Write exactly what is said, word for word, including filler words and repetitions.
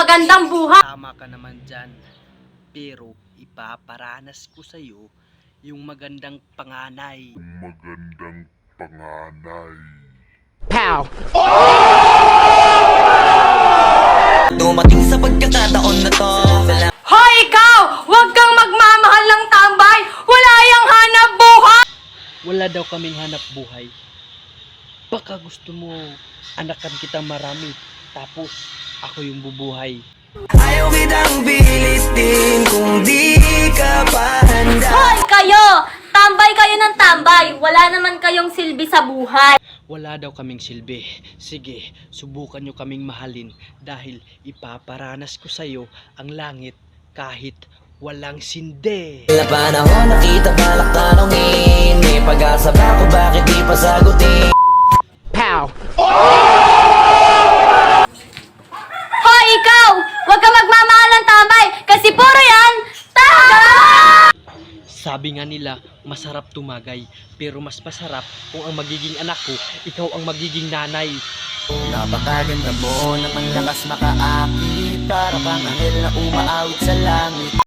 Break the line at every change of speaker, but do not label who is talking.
magandang buhay.
Tama ka naman dyan, pero ipaparanas ko sa'yo yung magandang panganay.
Magandang panganay.
Pow!
Dumating sa pagkakataon na to.
Hoy ikaw! Huwag kang magmamahal ng tambay! Wala yang hanap buhay!
Wala daw kaming hanap buhay. Baka gusto mo anakan kita marami, tapos ako yung bubuhay.
Ayaw kitang bilis din kung di ka pa handa.
Hoy kayo! Tambay kayo ng tambay! Wala naman kayong silbi sa buhay!
Wala daw kaming silbi. Sige, subukan nyo kaming mahalin dahil ipaparanas ko sa'yo ang langit kahit walang sinde.
Ilang panahon nakita balak tanongin, may pag-asa ba kung bakit di pa sagutin?
Pow!
Hoy ikaw! Huwag kang magmamahal ng tambay! Kasi puro yan! Tambay!
Sabi nga nila, masarap tumagay, pero mas masarap kung ang magiging anak ko, ikaw ang magiging nanay.
Napakaganda mo, namang lakas makaakit, para kang anghel na umaawit sa langit.